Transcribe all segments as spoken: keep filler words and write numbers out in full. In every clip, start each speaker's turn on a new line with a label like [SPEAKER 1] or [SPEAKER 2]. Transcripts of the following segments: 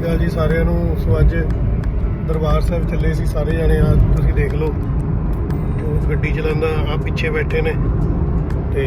[SPEAKER 1] ਅਕਾਲ ਜੀ ਸਾਰਿਆਂ ਨੂੰ। ਸੋ ਅੱਜ ਦਰਬਾਰ ਸਾਹਿਬ ਚੱਲੇ ਸੀ ਸਾਰੇ ਜਾਣੇ। ਆ ਤੁਸੀਂ ਦੇਖ ਲਓ ਜੋਤ ਗੱਡੀ ਚਲਾਉਂਦਾ, ਆ ਪਿੱਛੇ ਬੈਠੇ ਨੇ। ਤੇ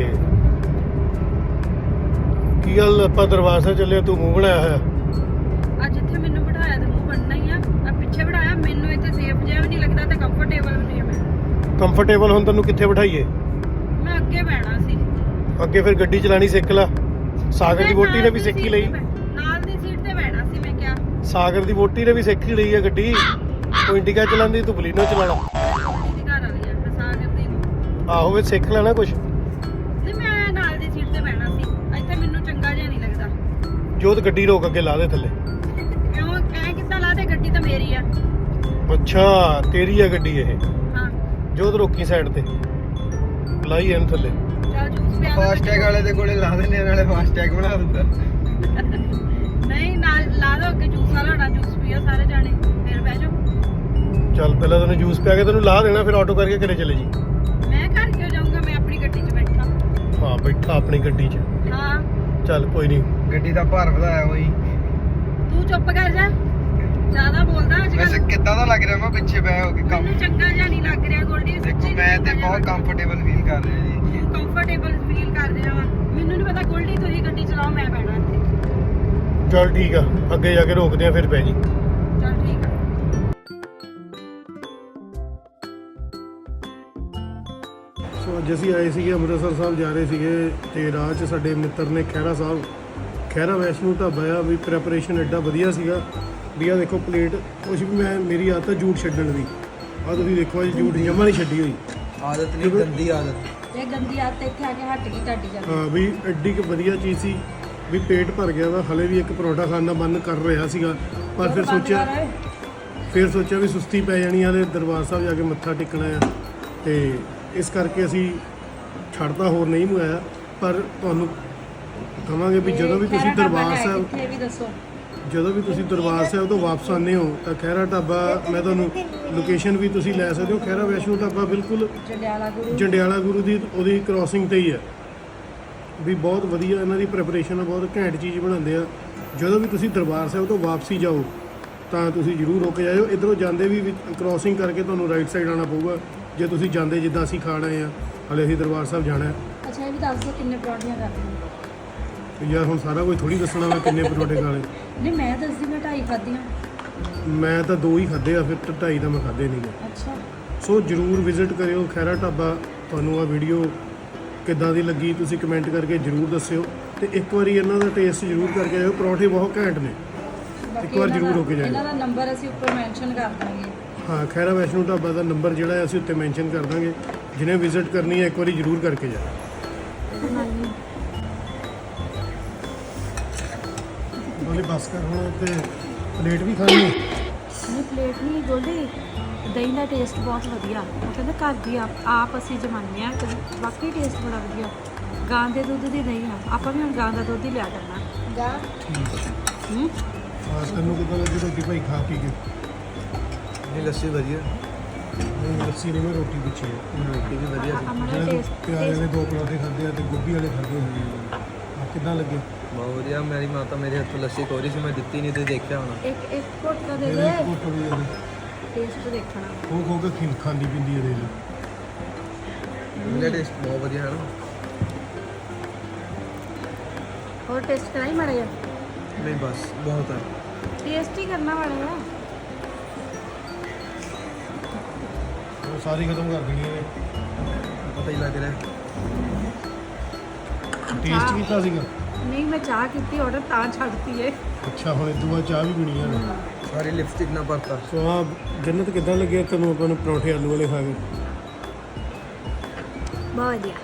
[SPEAKER 1] ਕੀ ਗੱਲ, ਆਪਾਂ ਦਰਬਾਰ ਸਾਹਿਬ ਚੱਲੇ, ਤੂੰ ਮੂੰਹ ਬਣਾਇਆ ਹੋਇਆ।
[SPEAKER 2] ਅੱਜ ਇੱਥੇ ਮੈਨੂੰ ਬਿਠਾਇਆ ਤੇ ਮੂੰਹ ਬਣਨਾ ਹੀ ਆ। ਆ ਪਿੱਛੇ ਬਿਠਾਇਆ, ਮੈਨੂੰ ਇੱਥੇ ਸੇਫ ਜਿਹਾ ਵੀ ਨਹੀਂ ਲੱਗਦਾ ਤੇ ਕੰਫਰਟੇਬਲ ਵੀ ਨਹੀਂ ਆ। ਮੈਂ
[SPEAKER 1] ਕੰਫਰਟੇਬਲ ਹੁਣ ਤੈਨੂੰ ਕਿੱਥੇ ਬਿਠਾਈਏ?
[SPEAKER 2] ਮੈਂ ਅੱਗੇ ਬਹਿਣਾ ਸੀ।
[SPEAKER 1] ਅੱਗੇ ਫਿਰ ਗੱਡੀ ਚਲਾਣੀ ਸਿੱਖ ਲੈ। ਸਾਗਰ ਦੀ ਵੋਟੀ ਨੇ ਵੀ ਸਿੱਖੀ ਲਈ।
[SPEAKER 2] ਨਾਲ ਦੀ ਸੀਟ ਤੇ ਬਹਿਣਾ ਸੀ। ਮੈਂ ਕਿਹਾ
[SPEAKER 1] ਸਾਗਰ ਦੀ ਵੋਟੀ ਨੇ ਵੀ ਸਿੱਖ ਹੀ ਲਈ ਹੈ ਗੱਡੀ। ਉਹ ਇੰਡੀਕਾ ਚਲਾਉਂਦੀ, ਤੂੰ ਬਲੀਨੋ ਚਲਾਣਾ।
[SPEAKER 2] ਦੀਦੀ ਘਰ ਵਾਲੀ ਆ ਤੇ ਸਾਗਰ ਦੀ
[SPEAKER 1] ਆਹੋ ਵੇ ਸਿੱਖ ਲੈਣਾ ਕੁਛ।
[SPEAKER 2] ਨਹੀਂ, ਮੈਂ ਨਾਲ ਦੀ ਸੀਟ ਤੇ ਬਹਿਣਾ ਸੀ। ਇੱਥੇ ਮੈਨੂੰ ਚੰਗਾ ਜਿਹਾ ਨਹੀਂ ਲੱਗਦਾ।
[SPEAKER 1] ਜੋਤ ਗੱਡੀ ਰੋਕ, ਅੱਗੇ ਲਾ ਦੇ ਥੱਲੇ।
[SPEAKER 2] ਕਿਉਂ ਐ ਕਿੱਦਾਂ ਲਾ ਦੇ? ਗੱਡੀ ਤਾਂ ਮੇਰੀ ਆ।
[SPEAKER 1] ਅੱਛਾ ਤੇਰੀ ਆ ਗੱਡੀ ਇਹ।
[SPEAKER 2] ਹਾਂ
[SPEAKER 1] ਜੋਤ ਰੋਕੀ ਸਾਈਡ ਤੇ, ਲਾਈ ਇਹਨੂੰ ਥੱਲੇ।
[SPEAKER 2] ਚੱਲ ਜੂਸ ਪਿਆ।
[SPEAKER 3] ਫਾਸਟੈਗ ਵਾਲੇ ਦੇ ਕੋਲੇ ਲਾ ਦੇਣੇ, ਨਾਲੇ ਫਾਸਟੈਗ ਬਣਾ ਦਿੰਦਾ।
[SPEAKER 2] ਨਹੀਂ ਨਾਲ ਲਾ ਦੋ, ਅੱਗੇ ਜੂਸ ਵਾਲਾ ਹੋਣਾ। ਜੂਸ ਪੀਓ ਸਾਰੇ ਜਾਣੇ, ਫਿਰ ਬਹਿ ਜਾਓ।
[SPEAKER 1] ਚੱਲ ਪਹਿਲਾਂ ਤੈਨੂੰ ਜੂਸ ਪਿਆ ਕੇ ਤੈਨੂੰ ਲਾ ਦੇਣਾ, ਫਿਰ ਆਟੋ ਕਰਕੇ ਘਰੇ ਚਲੇ ਜੀ।
[SPEAKER 2] ਮੈਂ ਘਰ ਕਿਉਂ ਜਾਊਂਗਾ? ਮੈਂ ਆਪਣੀ ਗੱਡੀ 'ਚ ਬੈਠਾ।
[SPEAKER 1] ਹਾਂ ਬੈਠਾ ਆਪਣੀ ਗੱਡੀ 'ਚ।
[SPEAKER 2] ਹਾਂ
[SPEAKER 1] ਚੱਲ ਕੋਈ ਨਹੀਂ।
[SPEAKER 3] ਗੱਡੀ ਦਾ ਭਾਰ ਵਧਾਇਆ ਹੋਈ।
[SPEAKER 2] ਤੂੰ ਚੁੱਪ ਕਰ ਜਾ, ਜ਼ਿਆਦਾ ਬੋਲਦਾ ਅੱਜ
[SPEAKER 3] ਵੈਸੇ
[SPEAKER 2] ਕੱਲ੍ਹ।
[SPEAKER 3] ਕਿੱਦਾਂ ਦਾ ਲੱਗ ਰਿਹਾ ਮੈਂ ਪਿੱਛੇ ਬੈ ਹੋ ਕੇ ਕੰਮ।
[SPEAKER 2] ਮੈਨੂੰ ਚੰਗਾ ਜਿਹਾ ਨਹੀਂ ਲੱਗ ਰਿਹਾ ਗੋਲਡੀ।
[SPEAKER 3] ਦੇਖੋ ਮੈਂ ਤੇ ਬਹੁਤ ਕੰਫਰਟੇਬਲ ਫੀਲ ਕਰ ਰਿਹਾ ਜੀ।
[SPEAKER 2] ਕੰਫਰਟੇਬਲ ਫੀਲ ਕਰ ਰਿਹਾ ਵਾਂ। ਮੈਨੂੰ ਨਹੀਂ ਪਤਾ ਗੋਲਡੀ, ਤੁਸੀਂ ਗੱਡੀ ਚਲਾਓ, ਮੈਂ ਬਹਿਣਾ ਇੱਥੇ।
[SPEAKER 1] ਚੱਲ ਠੀਕ ਆ, ਅੱਗੇ ਜਾ ਕੇ ਰੋਕਦੇ ਆ, ਫਿਰ ਪੈ ਜੀ।
[SPEAKER 2] ਚੱਲ ਠੀਕ ਆ।
[SPEAKER 1] ਸੋ ਅੱਜ ਅਸੀਂ ਆਏ ਸੀਗੇ ਅੰਮ੍ਰਿਤਸਰ ਸਾਹਿਬ ਜਾ ਰਹੇ ਸੀਗੇ, ਤੇ ਰਾਹ 'ਚ ਸਾਡੇ ਮਿੱਤਰ ਨੇ ਖਹਿਰਾ ਸਾਹਿਬ, ਖਹਿਰਾ ਵੈਸ਼ਨੂ ਢਾਬਾ ਆ ਵੀ। ਪ੍ਰੈਪਰੇਸ਼ਨ ਐਡਾ ਵਧੀਆ ਸੀਗਾ ਵੀ। ਆ ਦੇਖੋ ਪਲੇਟ ਕੁਛ ਵੀ। ਮੈਂ ਮੇਰੀ ਆਦਤ ਆ ਜੂਠ ਛੱਡਣ ਦੀ। ਆ ਤੁਸੀਂ ਦੇਖੋ ਅੱਜ ਜੂਠ ਜਮਾ ਨਹੀਂ ਛੱਡੀ ਹੋਈ।
[SPEAKER 3] ਆਦਤ ਨਹੀਂ, ਗੰਦੀ ਆਦਤ।
[SPEAKER 2] ਇਹ ਗੰਦੀ ਆਦਤ ਇੱਥੇ ਆ ਕੇ ਹਟ ਗਈ ਤੁਹਾਡੀ ਜਾਂਦੀ।
[SPEAKER 1] ਹਾਂ ਵੀ ਐਡੀ ਕੁ ਵਧੀਆ ਚੀਜ਼ ਸੀ ਵੀ ਪੇਟ ਭਰ ਗਿਆ ਵਾ। ਹਲੇ ਵੀ ਇੱਕ ਪਰੌਂਠਾ ਖਾਣ ਦਾ ਮਨ ਕਰ ਰਿਹਾ ਸੀਗਾ, ਪਰ ਫਿਰ ਸੋਚਿਆ ਫਿਰ ਸੋਚਿਆ ਵੀ ਸੁਸਤੀ ਪੈ ਜਾਣੀ ਆ ਤੇ ਦਰਬਾਰ ਸਾਹਿਬ ਜਾ ਕੇ ਮੱਥਾ ਟੇਕਣਾ ਆ, ਤੇ ਇਸ ਕਰਕੇ ਅਸੀਂ ਛੱਡਦਾ, ਹੋਰ ਨਹੀਂ ਮੰਗਾਇਆ। ਪਰ ਤੁਹਾਨੂੰ ਕਹਾਂਗੇ ਵੀ ਜਦੋਂ ਵੀ ਤੁਸੀਂ ਦਰਬਾਰ ਸਾਹਿਬ
[SPEAKER 2] ਇਹ ਵੀ ਦੱਸੋ,
[SPEAKER 1] ਜਦੋਂ ਵੀ ਤੁਸੀਂ ਦਰਬਾਰ ਸਾਹਿਬ ਤੋਂ ਵਾਪਸ ਆਉਂਦੇ ਹੋ ਤਾਂ ਖਹਿਰਾ ਢਾਬਾ, ਮੈਂ ਤੁਹਾਨੂੰ ਲੋਕੇਸ਼ਨ ਵੀ ਤੁਸੀਂ ਲੈ ਸਕਦੇ ਹੋ। ਖਹਿਰਾ ਵੈਸ਼ਨੂ ਢਾਬਾ ਬਿਲਕੁਲ
[SPEAKER 2] ਜੰਡਿਆਲਾ ਗੁਰੂ
[SPEAKER 1] ਜੰਡਿਆਲਾ ਗੁਰੂ ਦੀ ਉਹਦੀ ਕ੍ਰਾਸਿੰਗ ਤੇ ਹੀ ਹੈ ਵੀ। ਬਹੁਤ ਵਧੀਆ ਇਹਨਾਂ ਦੀ ਪ੍ਰੈਪਰੇਸ਼ਨ ਆ, ਬਹੁਤ ਘੈਂਟ ਚੀਜ਼ ਬਣਾਉਂਦੇ ਆ। ਜਦੋਂ ਵੀ ਤੁਸੀਂ ਦਰਬਾਰ ਸਾਹਿਬ ਤੋਂ ਵਾਪਸੀ ਜਾਓ ਤਾਂ ਤੁਸੀਂ ਜ਼ਰੂਰ ਰੁਕ ਜਾਇਓ। ਇੱਧਰੋਂ ਜਾਂਦੇ ਵੀ ਕ੍ਰਾਸਿੰਗ ਕਰਕੇ ਤੁਹਾਨੂੰ ਰਾਈਟ ਸਾਈਡ ਆਉਣਾ ਪਊਗਾ ਜੇ ਤੁਸੀਂ ਜਾਂਦੇ ਜਿੱਦਾਂ ਅਸੀਂ ਖਾਣ ਆਏ ਆ। ਹਲੇ ਅਸੀਂ ਦਰਬਾਰ ਸਾਹਿਬ ਜਾਣਾ ਹੈ।
[SPEAKER 2] ਅੱਛਾ ਇਹ ਵੀ ਦੱਸ ਦਿਓ ਕਿੰਨੇ ਪਰੌਂਠੀਆਂ ਕਰਨੀਆਂ।
[SPEAKER 1] ਤੇ ਯਾਰ ਹੁਣ ਸਾਰਾ ਕੁਝ ਥੋੜੀ ਦੱਸਣਾ ਮੈਂ ਕਿੰਨੇ ਪਰੌਂਠੇ ਖਾ ਲਏ।
[SPEAKER 2] ਨਹੀਂ ਮੈਂ ਦੱਸਦੀ, ਮੈਂ ਢਾਈ ਖਾਧੀਆਂ।
[SPEAKER 1] ਮੈਂ ਤਾਂ ਦੋ ਹੀ ਖਾਧੇ ਆ, ਫਿਰ ਢਾਈ ਤਾਂ ਮੈਂ ਖਾਧੇ ਨਹੀਂ ਗਏ।
[SPEAKER 2] ਅੱਛਾ
[SPEAKER 1] ਸੋ ਜ਼ਰੂਰ ਵਿਜ਼ਿਟ ਕਰਿਓ ਖਹਿਰਾ ਢਾਬਾ। ਤੁਹਾਨੂੰ ਆ ਵੀਡੀਓ ਕਿੱਦਾਂ ਦੀ ਲੱਗੀ ਤੁਸੀਂ ਕਮੈਂਟ ਕਰਕੇ ਜ਼ਰੂਰ ਦੱਸਿਓ, ਤੇ ਇੱਕ ਵਾਰੀ ਇਹਨਾਂ ਦਾ ਟੇਸਟ ਜ਼ਰੂਰ ਕਰਕੇ ਆਇਓ। ਪਰੌਂਠੇ ਬਹੁਤ ਘੈਂਟ ਨੇ, ਇੱਕ ਵਾਰ ਜ਼ਰੂਰ ਹੋ ਕੇ ਜਾਇਓ।
[SPEAKER 2] ਇਹਨਾਂ ਦਾ ਨੰਬਰ ਅਸੀਂ ਉੱਪਰ ਮੈਂਸ਼ਨ ਕਰ ਦਾਂਗੇ।
[SPEAKER 1] ਹਾਂ ਖਹਿਰਾ ਵੈਸ਼ਨੂ ਢਾਬਾ ਦਾ ਨੰਬਰ ਜਿਹੜਾ ਹੈ ਅਸੀਂ ਉੱਤੇ ਮੈਂਸ਼ਨ ਕਰ ਦਾਂਗੇ। ਜਿਹਨੇ ਵਿਜ਼ਿਟ ਕਰਨੀ ਹੈ ਇੱਕ ਵਾਰੀ ਜ਼ਰੂਰ ਕਰਕੇ ਜਾਓ। ਬੋਲੇ ਬਸ ਕਰ ਹੁਣ, ਤੇ ਪਲੇਟ ਵੀ ਖਾਣੀ ਹੈ।
[SPEAKER 2] ਨਹੀਂ ਪਲੇਟ ਨਹੀਂ ਗੋਲਡੀ, ਦਹੀਂ ਦਾ ਟੇਸਟ ਬਹੁਤ ਵਧੀਆ। ਉਹ ਕਹਿੰਦਾ ਘਰ ਦੀ ਆਪ ਆਪ ਅਸੀਂ ਜਮਾਨੇ ਆ, ਤੇ ਵਾਕਈ ਟੇਸਟ ਬੜਾ ਵਧੀਆ। ਗਾਂ ਦੇ ਦੁੱਧ ਦੀ ਦਹੀਂ ਆ, ਆਪਾਂ ਵੀ ਹੁਣ ਗਾਂ ਦਾ ਦੁੱਧ ਹੀ ਲਿਆ ਕਰਨਾ। ਗਾਂ ਹੂੰ
[SPEAKER 1] ਹਾਂ ਸਾਨੂੰ ਕਿੱਦਾਂ ਲੱਗੀ ਰੋਟੀ ਭਾਈ ਖਾ ਪੀ ਕੇ?
[SPEAKER 3] ਨਹੀਂ ਲੱਸੀ ਵਧੀਆ।
[SPEAKER 1] ਨਹੀਂ ਲੱਸੀ ਨਹੀਂ, ਮੈਂ ਰੋਟੀ ਪਿੱਛੇ ਹੈ।
[SPEAKER 3] ਰੋਟੀ ਵੀ ਵਧੀਆ ਸੀ।
[SPEAKER 2] ਅਮਰਾ
[SPEAKER 1] ਜਿਹੜੇ
[SPEAKER 2] ਟੇਸਟ
[SPEAKER 1] ਪਿਆਰੇ ਦੇ ਦੋ ਪਰੌਂਠੇ ਖਾਦੇ ਆ ਤੇ ਗੋਭੀ ਵਾਲੇ ਖਾਦੇ ਹੋਏ ਆ, ਕਿੱਦਾਂ ਲੱਗੇ?
[SPEAKER 3] ਬਹੁਤ ਵਧੀਆ। ਮੇਰੀ ਮਾਤਾ ਮੇਰੇ ਹੱਥੋਂ ਲੱਸੀ ਖੋਰੀ ਸੀ, ਮੈਂ ਦਿੱਤੀ ਨਹੀਂ ਤੇ ਦੇਖਿਆ ਹੋਣਾ।
[SPEAKER 2] ਇੱਕ ਇੱਕ ਘੁੱਟ ਤਾਂ ਦੇ
[SPEAKER 1] ਮੇਰੇ
[SPEAKER 2] ਦੇ,
[SPEAKER 1] ਘੁੱਟ ਵੀ ਇਹਦੇ
[SPEAKER 2] ਟੇਸਟ ਦੇਖਣਾ।
[SPEAKER 1] ਖੋ ਖੋ ਕੇ ਖਿਲ ਖਾਂਦੀ ਪੀਂਦੀ ਇਹਦੇ ਲਈ।
[SPEAKER 3] ਇਹਦਾ ਟੇਸਟ ਬਹੁਤ ਵਧੀਆ ਹੈ ਨਾ।
[SPEAKER 2] ਹੋਰ ਟੇਸਟ ਕਰਾਈ ਮਾੜਾ ਜਿਹਾ।
[SPEAKER 3] ਨਹੀਂ ਬਸ ਬਹੁਤ ਹੈ।
[SPEAKER 2] ਟੇਸਟ ਹੀ ਕਰਨਾ ਮਾੜਾ ਜਿਹਾ।
[SPEAKER 1] ਉਹ ਸਾਰੀ ਖਤਮ ਕਰ ਦੇਣੀ ਇਹਨੇ।
[SPEAKER 3] ਪਤਾ ਹੀ ਲੱਗ ਰਿਹਾ।
[SPEAKER 1] ਟੇਸਟ ਕੀਤਾ ਸੀਗਾ।
[SPEAKER 2] ਨਹੀਂ ਮੈਂ ਚਾਹ ਕੀਤੀ ਆਰਡਰ, ਤਾਂ ਛੱਡਤੀ ਏ।
[SPEAKER 1] ਅੱਛਾ ਹੁਣ ਇਦੋਂ ਬਾਅਦ ਚਾਹ ਵੀ ਪੀਣੀ ਆ।
[SPEAKER 3] ਸਾਰੀ ਲਿਪਸਟਿਕ ਨਾ ਭਰਤਾ।
[SPEAKER 1] ਸੋ ਆ ਜੰਨਤ ਕਿੱਦਾਂ ਲੱਗਿਆ ਤੈਨੂੰ ਆਪਾਂ ਨੂੰ ਪਰੌਂਠੇ ਆਲੂ ਵਾਲੇ ਖਾ ਕੇ?
[SPEAKER 2] ਬਹੁਤ ਵਧੀਆ।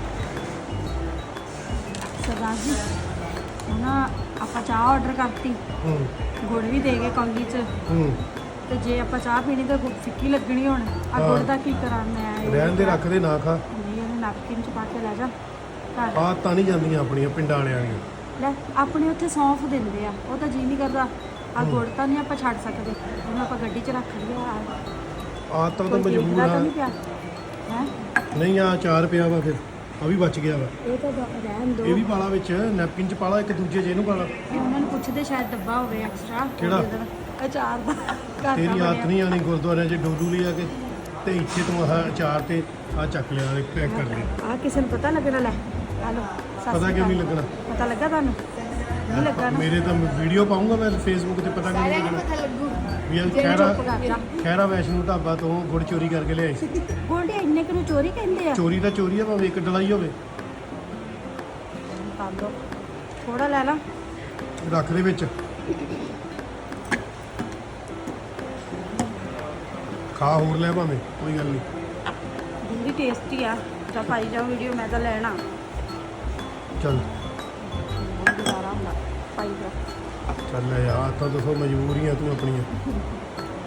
[SPEAKER 2] ਸਰਦਾਰ ਜੀ ਹੁਣ ਆਪਾਂ ਚਾਹ ਆਰਡਰ ਕਰਤੀ,
[SPEAKER 1] ਹੂੰ
[SPEAKER 2] ਗੁੜ ਵੀ ਦੇ ਗਏ ਕੌਲੀ 'ਚ,
[SPEAKER 1] ਹੂੰ
[SPEAKER 2] ਤੇ ਜੇ ਆਪਾਂ ਚਾਹ ਪੀਣੀ ਤਾਂ ਗੁੜ ਫਿੱਕੀ ਲੱਗਣੀ। ਹੁਣ ਆ ਗੁੜ ਦਾ ਕੀ ਕਰਾਂ ਮੈਂ?
[SPEAKER 1] ਰਹਿਣ ਦੇ, ਰੱਖ ਦੇ, ਨਾ ਖਾ।
[SPEAKER 2] ਨਹੀਂ ਇਹਨੇ ਨੈਪਕਿਨ 'ਚ ਪਾ ਕੇ ਲੈ ਜਾ ਘਰ।
[SPEAKER 1] ਆ ਤਾਂ ਨਹੀਂ ਜਾਂਦੀਆਂ ਆਪਣੀਆਂ ਪਿੰਡਾਂ ਵਾਲਿਆਂ ਦੀਆਂ।
[SPEAKER 2] ਲੈ ਆਪਣੇ ਉੱਥੇ ਸੌਂਫ ਦਿੰਦੇ ਆ, ਉਹ ਤਾਂ ਜੀ ਨਹੀਂ ਕਰਦਾ। ਆ ਗੁੜ ਤਾਂ ਨਹੀਂ ਆਪਾਂ ਛੱਡ ਸਕਦੇ, ਉਹਨੂੰ ਆਪਾਂ ਗੱਡੀ 'ਚ ਰੱਖ ਲਿਆ।
[SPEAKER 1] ਆ ਤਾਂ ਤਾਂ ਮਜਬੂਰ ਆ।
[SPEAKER 2] ਨਹੀਂ ਪਿਆ ਹੈ।
[SPEAKER 1] ਨਹੀਂ ਆ ਚਾਰ ਪਿਆ ਵਾ, ਫਿਰ ਆ ਵੀ ਬਚ ਗਿਆ ਵਾ।
[SPEAKER 2] ਇਹ ਤਾਂ ਰਹਿਣ ਦੋ।
[SPEAKER 1] ਇਹ ਵੀ ਪਾਲਾ ਵਿੱਚ ਨੈਪਕਿਨ ਚ ਪਾਲਾ, ਇੱਕ ਦੂਜੇ ਚ ਇਹਨੂੰ ਪਾਲਾ।
[SPEAKER 2] ਉਹਨਾਂ ਨੂੰ ਪੁੱਛਦੇ ਸ਼ਾਇਦ ਡੱਬਾ ਹੋਵੇ ਐਕਸਟਰਾ
[SPEAKER 1] ਕਿਹੜਾ?
[SPEAKER 2] ਅਚਾਰ ਦਾ ਘਰ ਦਾ
[SPEAKER 1] ਤੇਰੀ
[SPEAKER 2] ਬਣਿਆ।
[SPEAKER 1] ਆਦਤ ਨਹੀਂ ਆਣੀ ਗੁਰਦੁਆਰਿਆਂ 'ਚ ਡੋਲੂ ਲਿਆ ਕੇ ਤੇ ਇੱਥੇ ਤੂੰ ਆਹ ਅਚਾਰ ਤੇ ਆਹ ਚੱਕ ਲਿਆ ਪੈਕ ਕਰ ਲਿਆ।
[SPEAKER 2] ਆ ਕਿਸੇ ਨੂੰ ਪਤਾ ਲੱਗਣਾ ਲੈ ਆ ਲੋ
[SPEAKER 1] ਪਤਾ ਕਿਉਂ ਨਹੀਂ ਲੱਗਣਾ?
[SPEAKER 2] ਪਤਾ ਲੱਗਾ ਤੁਹਾਨੂੰ ਨਹੀਂ ਲੱਗਾ ਨਾ
[SPEAKER 1] ਮੇਰੇ ਤਾਂ ਵੀਡੀਓ ਪਾਉਂਗਾ ਮੈਂ ਫੇਸਬੁੱਕ ਤੇ, ਪਤਾ ਕਿਉਂ ਨਹੀਂ ਲੱਗਣਾ?
[SPEAKER 2] ਪਤਾ ਲੱਗੂ
[SPEAKER 1] ਵੀ ਇਹ
[SPEAKER 2] ਜਿਹੜੇ
[SPEAKER 1] ਖੈਰਾ
[SPEAKER 2] ਚੁੱਪ ਕਰ ਜਾ
[SPEAKER 1] ਖੈਰਾ ਵੈਸ਼ਨੂ ਢਾਬਾ ਤੋਂ ਗੁੜ ਚੋਰੀ ਕਰਕੇ ਲਿਆਈ ਸੀ।
[SPEAKER 2] ਗੋਲਡੀ ਇੰਨੇ ਕਿ ਨੂੰ ਚੋਰੀ ਕਹਿੰਦੇ ਆ
[SPEAKER 1] ਚੋਰੀ ਤਾਂ ਚੋਰੀ ਆ, ਭਾਵੇਂ ਇੱਕ ਡਲਾਈ ਹੋਵੇ।
[SPEAKER 2] ਪਾ ਲਓ ਥੋੜਾ ਲੈ ਲਾ
[SPEAKER 1] ਰੱਖ ਦੇ ਵਿੱਚ, ਖਾ ਹੋਰ ਲੈ ਭਾਵੇਂ, ਕੋਈ ਗੱਲ ਨਹੀਂ।
[SPEAKER 2] ਵੀ ਟੇਸਟੀ ਆ ਤਾਂ ਪਾਈ ਜਾਓ ਵੀਡੀਓ, ਮੈਂ ਤਾਂ ਲੈਣਾ
[SPEAKER 1] ਚੱਲ
[SPEAKER 2] ਗੁਜ਼ਾਰਾ ਹੁੰਦਾ ਪਾਈ ਜਾ।
[SPEAKER 1] ਚੱਲ ਯਾਰ, ਤਾਂ ਦੱਸੋ ਮਜਬੂਰੀਆਂ ਤੂੰ ਆਪਣੀਆਂ।